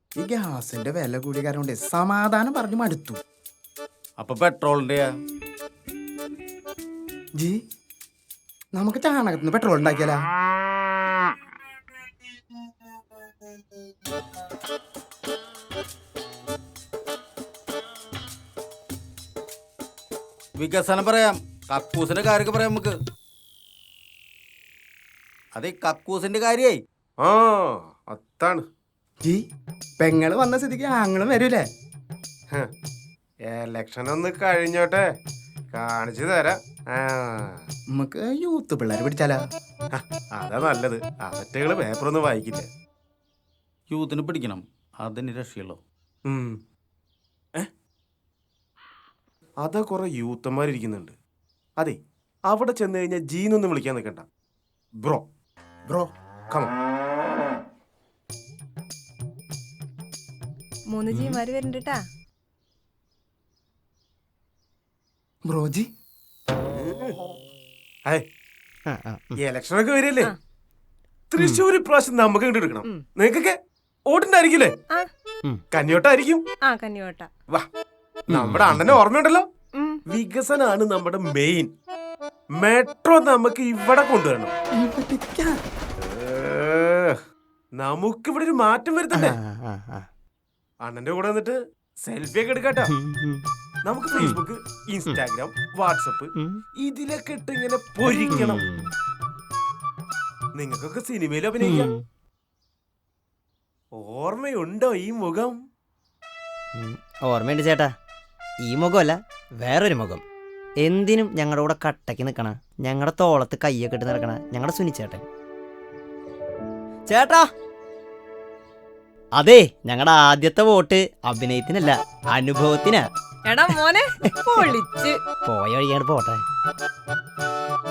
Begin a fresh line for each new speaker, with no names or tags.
ഈ ഗ്യാസിന്റെ വില കൂടിയ കാരണം കൊണ്ട് സമാധാനം പറഞ്ഞു മടുത്തു.
അപ്പൊ പെട്രോളിന്റെയാ?
ജി നമുക്ക് ചാണകത്തിന് പെട്രോൾ ഉണ്ടാക്കിയാലാ?
വികസനം പറയാം, കക്കൂസിന്റെ കാര്യമൊക്കെ പറയാം നമുക്ക്. അതെ, കക്കൂസിന്റെ കാര്യേ.
ആ അതാണ്.
ജി പെങ്ങള് വന്ന സ്ഥിതിക്ക് ആങ്ങളും വരൂലേ?
എലക്ഷൻ ഒന്ന് കഴിഞ്ഞോട്ടെ, കാണിച്ചു തരാം.
നമുക്ക് യൂത്ത് പിള്ളേരെ പിടിച്ചാലാ?
അതാ നല്ലത്. അവറ്റകള് പേപ്പറൊന്നും വായിക്കില്ല.
യൂത്തിന് പിടിക്കണം, അതിന് രക്ഷയുള്ളൂ.
അതാ കുറെ യൂത്തന്മാരിരിക്കുന്നുണ്ട്. അതെ, അവിടെ ചെന്ന് കഴിഞ്ഞാൽ ജീനൊന്നും വിളിക്കാൻ നിൽക്കണ്ട. Bro
bro
come.
3 ജീമാര് വരുന്നുണ്ട്.
ബ്രോജി
ഇലക്ഷനൊക്കെ വരില്ലേ? തൃശ്ശൂർ ഇപ്രാവശ്യം നമുക്ക് ഇങ്ങോട്ട് എടുക്കണം. നിങ്ങൾക്കൊക്കെ ഓട്ടുണ്ടായിരിക്കില്ലേ? കന്യോട്ടായിരിക്കും. വാ, നമ്മുടെ അണ്ണനെ ഓർമ്മയുണ്ടല്ലോ. വികസനാണ് നമ്മുടെ മെയിൻ. മെട്രോ നമുക്ക് ഇവിടെ കൊണ്ടുവരണം. നമുക്കിവിടെ ഒരു മാറ്റം വരുത്തണ്ടേ? അണ്ണന്റെ കൂടെ വന്നിട്ട് സെൽഫി ഒക്കെ എടുക്കാട്ടോ. നമുക്ക് ഫേസ്ബുക്ക്, ഇൻസ്റ്റാഗ്രാം, വാട്സപ്പ് ഇതിലൊക്കെ ഇട്ട് ഇങ്ങനെ പൊരിക്കണം. നിങ്ങൾക്കൊക്കെ സിനിമയിൽ അഭിനയിക്കാം. ഓർമ്മയുണ്ടോ ഈ മുഖം?
ഓർമ്മയുണ്ട് ചേട്ടാ. ഈ മുഖമല്ല, വേറൊരു മുഖം. എന്തിനും ഞങ്ങളുടെ കൂടെ കട്ടയ്ക്ക് നിൽക്കണ, ഞങ്ങളുടെ തോളത്ത് കയ്യൊക്കെ ഇട്ട് നടക്കണ ഞങ്ങളുടെ സുനിച്ചേട്ടൻ. ചേട്ടാ, അതെ, ഞങ്ങളുടെ ആദ്യത്തെ വോട്ട് അഭിനയത്തിനല്ല, അനുഭവത്തിനാ.
എടാ മോനെ, പൊളിച്ച്
പോയ വഴിയാണ് പോട്ടെ.